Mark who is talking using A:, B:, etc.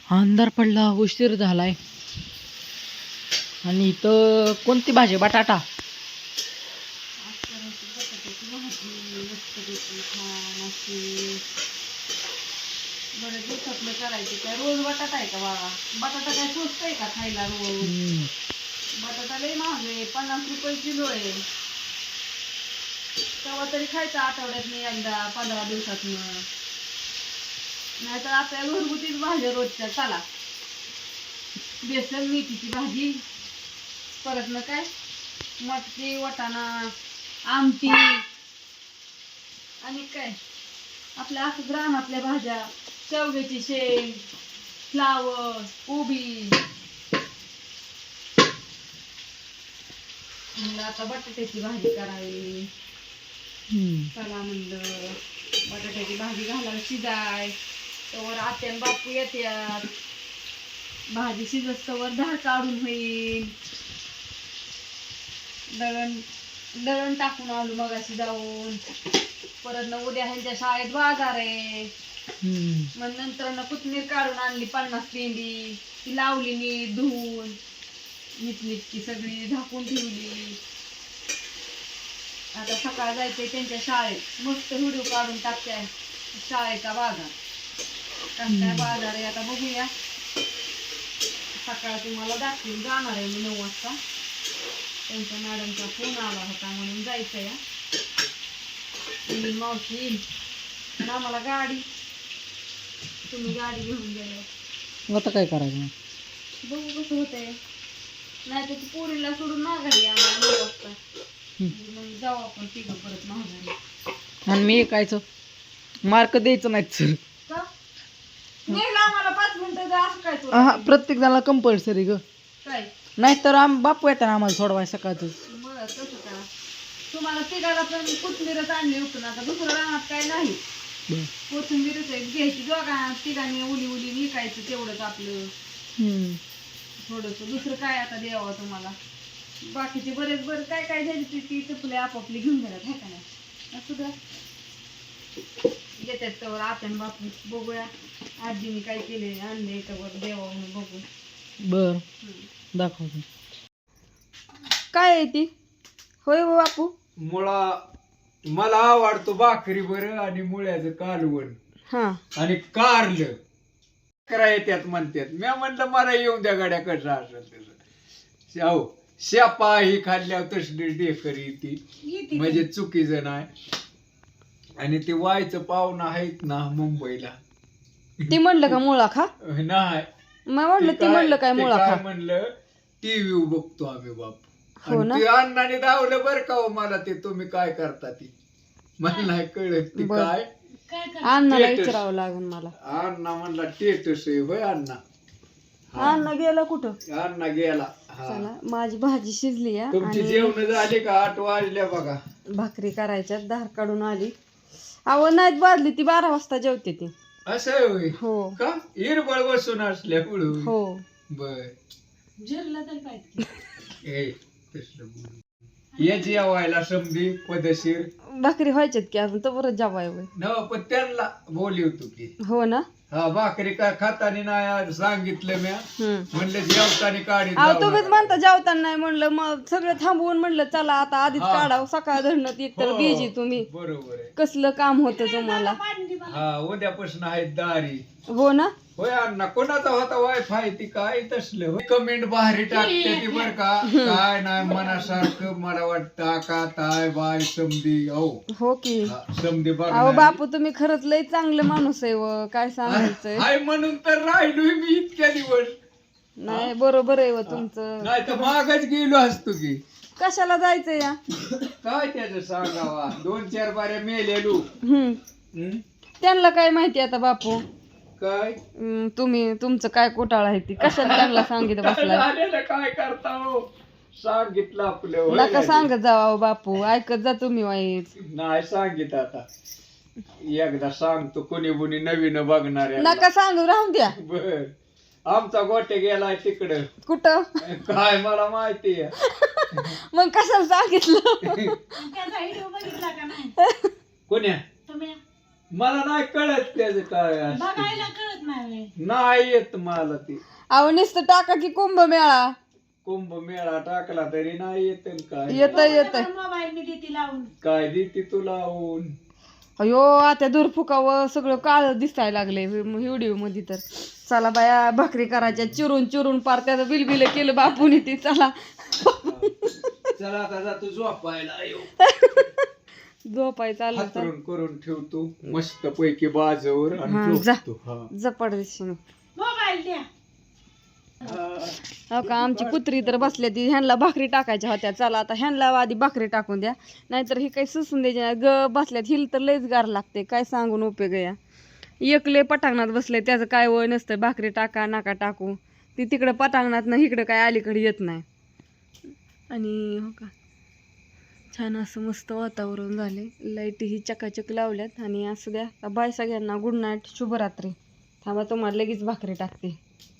A: अंधार पडला, उशीर झालाय. आणि इथं कोणती भाजी? बटाटा.
B: बरं दिवसातलं करायचं काय? रोज बटाटा आहे का बाळा? बटाटा काय स्वस्त आहे का खायला रोज? बटाटा लय महाग आहे, 50 रुपये किलो आहे. तेव्हा तरी खायचं आठवड्यातनं एकदा, 15 दिवसातनं. नाहीतर आपल्या घरगुतीच भाज्या रोजच्या. चला, बेसन मेथीची भाजी, परत ना काय मटकी, वाटाणा, आमटी, आणि काय आपल्या असंच रानातल्या भाज्या, शेवग्याची शेंग, फ्लावर, कोबी. म्हणलं आता बटाट्याची भाजी करावी. चला म्हणलं बटाट्याची भाजी घालायला शिजाय, तवर आत्यान बापू येत्यात. भाजी शिजस्तवर धार काढून होईल. दळण टाकून आलो मगाशी जाऊन. परत न उद्या ह्यांच्या शाळेत बाजार आहे. मग नंतर न कोथमीर काढून आणली 50 पेंडी, ती लावली नीट धुवून, नीटनीटकी सगळी झाकून ठेवली. आता सकाळ जायचंय त्यांच्या शाळेत. मस्त व्हिडिओ काढून टाकते शाळेचा बाजार. काय बाजार आहे आता बघूया. सकाळ तुम्हाला दाखवून जाणार आहे मी 9 वाजता. त्यांच्या मॅडमचा फोन आला होता म्हणून जायचं या. मावशी येईल आणि आम्हाला गाडी, तुम्ही गाडी घेऊन गेलो.
A: आता काय करायचं?
B: बघू कसं होतंय. नाही तर ती पोरीला सोडून माघारी आम्हाला 9 वाजता. मग जाऊ आपण तिघं परत माघारी.
A: आणि मी ऐकायचं मार्क द्यायचं नाहीत सर.
B: का नेला आम्हाला 5 मिनिटं जा असं काय तू?
A: प्रत्येक जणाला कंपल्सरी ग.
B: काय
A: नाहीतर बापू येतात आम्हाला सोडवाय सकाळचं.
B: बरं तसं करा. तुम्हाला तिघाला पण कोथिंबीरच आणली उठून. आता दुसरं राहणार काय नाही. कोथिंबीरच आहे घ्यायची. दोघा तिघांनी उली उली विकायचं तेवढंच आपलं थोडस. दुसरं काय आता द्यावं तुम्हाला? बाकीचे बरेच बरं काय काय द्यायची ती चपले आपापली घेऊन गेल्यात आहे का नाही? असू द्या, येतात तर आपण बापू बघूया आजीने काय केले आणले तर देवा म्हणून बघू.
A: बर दाखवतो. काय आहे ती? होय बापू.
C: मला आवडतो भाकरी बरं आणि मुळ्याचं कालवण
A: हा
C: आणि कारलं कराय त्यात म्हणतात. मी म्हणलं मला येऊन द्या गाड्या कसं असेल तसं. अहो शेपा ही खाल्ल्यावर तसली डेकरी ती म्हणजे चुकीचं नाही. आणि ते वायचं पाहुणं आहेत ना मुंबईला,
A: ती म्हणलं का मुळा खा?
C: नाही
A: म्हणलं ती म्हणलं काय मुळा खा
C: म्हणलं टीव्ही बघतो आम्ही बाप.
A: हो ना.
C: ते अण्णाने दावलं बरं का हो मला. ते तुम्ही काय करता ती मला नाही कळत ती काय.
A: अण्णाला विचारावं लागेल मला.
C: अण्णा म्हणला टेटस आहे. होय अण्णा.
A: अण्णा गेला कुठं?
C: अण्णा गेला.
A: चला माझी भाजी शिजली या.
C: तुमची जेवण झाली का? 8 वाजल्या बघा.
A: भाकरी करायच्या धार काढून आली. अहो नाहीत बाजली ती 12 वाजता जेवते ती.
C: असं होय.
A: हो
C: का इरबळ बसून असल्यामुळं.
A: हो
C: बर
B: जिरला तर काय
C: ये जेवायला समधी पदशीर.
A: भाकरी व्हायच्यात की अजून तर बरं जेवाय.
C: न पण त्यांना बोलवतो की.
A: हो ना.
C: हा भाकरी काय खातानी नाही सांगितलं म्या. म्हणलं जेवतानी काढी.
A: अहो तुम्हीच म्हणता जेवताना नाही म्हणलं. मग सगळं थांबवून म्हणलं चला आता आधीच काढावं. सकाळ धरणं एक तर बिजी तुम्ही.
C: बरोबर आहे.
A: कसलं काम होतं तुम्हाला.
C: हा उद्यापासून आहेत दारी.
A: हो ना.
C: होय अण्णा कोणाचा होता वायफाय ती काय तसलं. कमेंट भारी टाकते ती बर का. काय नाही मनासारखं मला वाटतं का ताय बाय समधी.
A: हो की
C: समधी बघ.
A: अहो बापू तुम्ही खरंच लय चांगलं माणूस आहे व काय सांगायचंय.
C: हाय म्हणून तर राहिलोय मी इतक्या दिवस.
A: नाही बरोबर आहे व तुमचं.
C: नाही तर मागच गेलो असतो की.
A: कशाला जायचं या?
C: काय त्याचं सांगावा. 2-4 बाऱ्या मेलेलो.
A: त्यांना काय माहिती आता बापू.
C: काय
A: तुम्ही तुमचं काय घोटाळा आहे ती कशाला त्यांना सांगितलं बसलाय.
C: झालेलं काय करता हो. सांगितलं आपलं.
A: नका सांगत जावा बापू. ऐकत जा तुम्ही वाईट.
C: नाही सांगित आता एकदा सांगतो. कोणी कोणी नवीन बघणार.
A: नका सांगू राहून द्या.
C: बर आमचा गोटे गेलाय तिकडं.
A: कुठं?
C: काय मला माहिती आहे.
A: मग कशाला सांगितलं?
B: व्हिडिओ बघितला का नाही
C: कोण्या?
B: तुम्ही?
C: मला नाही कळत त्याचं काय असतं.
B: बघायला कळत नाही
C: नाही येत मला ते.
A: अहो नुसतं टाका की कुंभमेळा
C: कुंभमेळा टाकला तरी नाही येत काय.
A: येत
B: मोबाईल मी देते लावून.
C: काय देते तुला लावून.
A: अयो आता दूर फुकावं सगळं काळ दिसायला लागले व्हिडिओ मध्ये तर. चला बाया भाकरी करायच्या चिरून चिरून पार त्याचं बिलबिल केलं बापूनी ते. चला
C: चला आता जातो झोपायला.
A: झोपाय चाललं तर
C: हातरून करून ठेवतो मस्त पैकी बाजूवर
A: हा,
C: आणि
A: जा.
C: झोपतो. हा.
A: जपड दिशेने.
B: मोबाईल द्या.
A: हो का आमची कुत्री तर बसल्या ती ह्यांना भाकरी टाकायच्या होत्या. चला आता ह्यांना आधी भाकरी टाकून द्या नाहीतर ही काही सुसून द्यायची नाही. ग बसल्यात हिल तर लयच गार लागते काय सांगून उपयोग या. एकले पटांगणात बसले त्याचं काय वय नसतं. भाकरी टाका नाका टाकू ती तिकडं पटांगणात ना इकडं काय अलीकडे येत नाही. आणि हो का छान असं मस्त वातावरण झाले. लाईटही चकाचक लावल्यात. आणि असं द्या बाय सगळ्यांना गुड नाईट शुभरात्री. थांबा तुम्हाला लगेच भाकरी टाकते.